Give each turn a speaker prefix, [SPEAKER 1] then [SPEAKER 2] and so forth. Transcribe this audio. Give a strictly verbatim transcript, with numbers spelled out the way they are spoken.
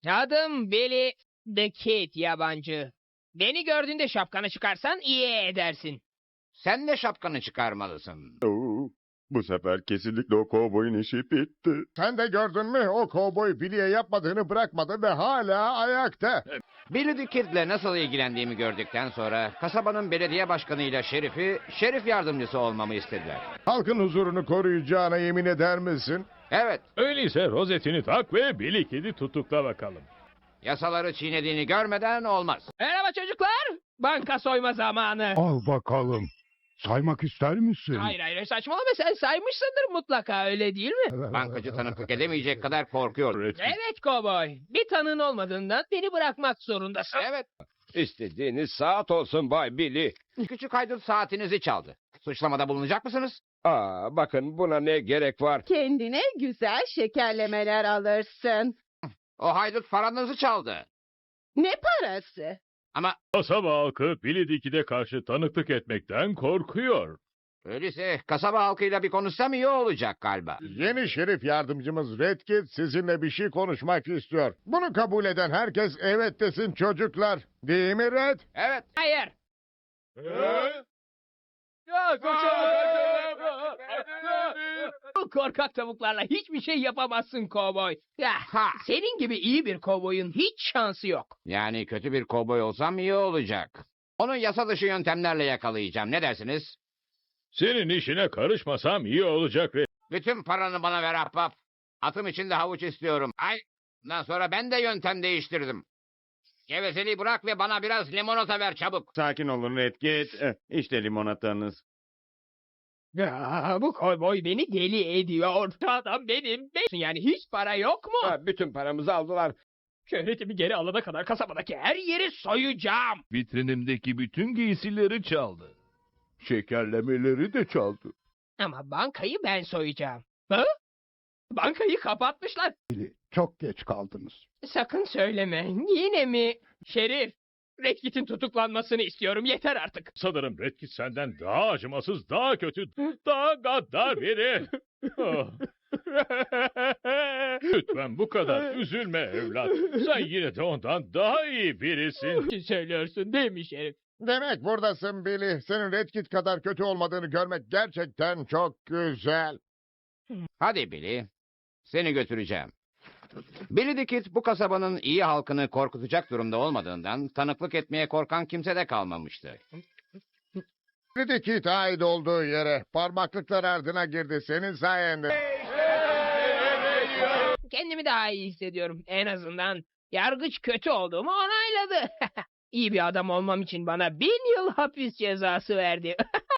[SPEAKER 1] Adım Billy the Kid yabancı. Beni gördüğünde şapkanı çıkarsan iyi edersin.
[SPEAKER 2] Sen de şapkanı çıkarmalısın.
[SPEAKER 3] Oo, bu sefer kesinlikle o kovboyun işi bitti.
[SPEAKER 4] Sen de gördün mü? O kovboy Billy'e yapmadığını bırakmadı ve hala ayakta.
[SPEAKER 2] Billy the Kid'le nasıl ilgilendiğimi gördükten sonra kasabanın belediye başkanıyla şerifi, şerif yardımcısı olmamı istediler.
[SPEAKER 4] Halkın huzurunu koruyacağına yemin eder misin?
[SPEAKER 2] Evet,
[SPEAKER 5] Öyleyse rozetini tak ve Billy Kid'i tutukla bakalım.
[SPEAKER 2] yasaları çiğnediğini görmeden olmaz.
[SPEAKER 1] Merhaba çocuklar. Banka soyma zamanı.
[SPEAKER 6] Al bakalım. Saymak ister misin?
[SPEAKER 1] Hayır hayır saçmalama, sen saymışsındır mutlaka, öyle değil mi?
[SPEAKER 2] Bankacı tanıklık edemeyecek kadar korkuyor.
[SPEAKER 1] Evet kovboy. Bir tanığın olmadığından beni bırakmak zorundasın.
[SPEAKER 2] Evet,
[SPEAKER 7] İstediğiniz saat olsun Bay Billy.
[SPEAKER 2] küçük haydut saatinizi çaldı. Suçlamada bulunacak mısınız?
[SPEAKER 7] Aa, bakın buna ne gerek var?
[SPEAKER 8] Kendine güzel şekerlemeler alırsın.
[SPEAKER 2] O haydut paranızı çaldı.
[SPEAKER 8] Ne parası?
[SPEAKER 2] Ama
[SPEAKER 5] Kasaba halkı Billy the Kid'e karşı tanıklık etmekten korkuyor.
[SPEAKER 2] öyleyse kasaba halkıyla bir konuşsam iyi olacak galiba.
[SPEAKER 4] Yeni şerif yardımcımız Red Kit sizinle bir şey konuşmak istiyor. Bunu kabul eden herkes evet desin çocuklar. Değil mi Red?
[SPEAKER 2] Evet,
[SPEAKER 1] Hayır. Bu korkak tavuklarla hiçbir şey yapamazsın kovboy. Ya,
[SPEAKER 2] Ha.
[SPEAKER 1] senin gibi iyi bir kovboyun hiç şansı yok.
[SPEAKER 2] yani kötü bir kovboy olsam iyi olacak. Onu yasa dışı yöntemlerle yakalayacağım. Ne dersiniz?
[SPEAKER 5] Senin işine karışmasam iyi olacak ve
[SPEAKER 2] Bütün paranı bana ver ahbap. Atım için de havuç istiyorum. Ay, bundan sonra ben de yöntem değiştirdim. Gevezeliği bırak ve bana biraz limonata ver çabuk.
[SPEAKER 3] Sakin olun Red Kit. Eh, İşte limonatanız.
[SPEAKER 1] Ya, bu kovboy beni deli ediyor. Adam benim. benim. Yani hiç para yok mu?
[SPEAKER 7] Ha, bütün paramızı aldılar.
[SPEAKER 1] Şöhretimi geri alana kadar kasabadaki her yeri soyacağım.
[SPEAKER 9] Vitrinimdeki bütün giysileri çaldı. Şekerlemeleri de çaldı.
[SPEAKER 1] Ama bankayı ben soyacağım. Ha? Bankayı kapatmışlar.
[SPEAKER 6] Çok geç kaldınız.
[SPEAKER 1] Sakın söyleme. Yine mi? Şerif, Red Kit'in tutuklanmasını istiyorum. Yeter artık.
[SPEAKER 5] sanırım Red Kid senden daha acımasız, daha kötü, daha gaddar biri. Ah. Lütfen bu kadar üzülme evlat. Sen yine de ondan daha iyi birisin.
[SPEAKER 1] Söylüyorsun değil mi Şerif?
[SPEAKER 4] Demek buradasın Billy. Senin Red Kit kadar kötü olmadığını görmek gerçekten çok güzel.
[SPEAKER 2] Hadi Billy, seni götüreceğim. Billy the Kid bu kasabanın iyi halkını korkutacak durumda olmadığından tanıklık etmeye korkan kimse de kalmamıştı.
[SPEAKER 4] Red Kit ait olduğu yere parmaklıklar ardına girdi senin sayende.
[SPEAKER 1] Kendimi daha iyi hissediyorum. En azından yargıç kötü olduğumu onayladı. İyi bir adam olmam için bana bin yıl hapis cezası verdi.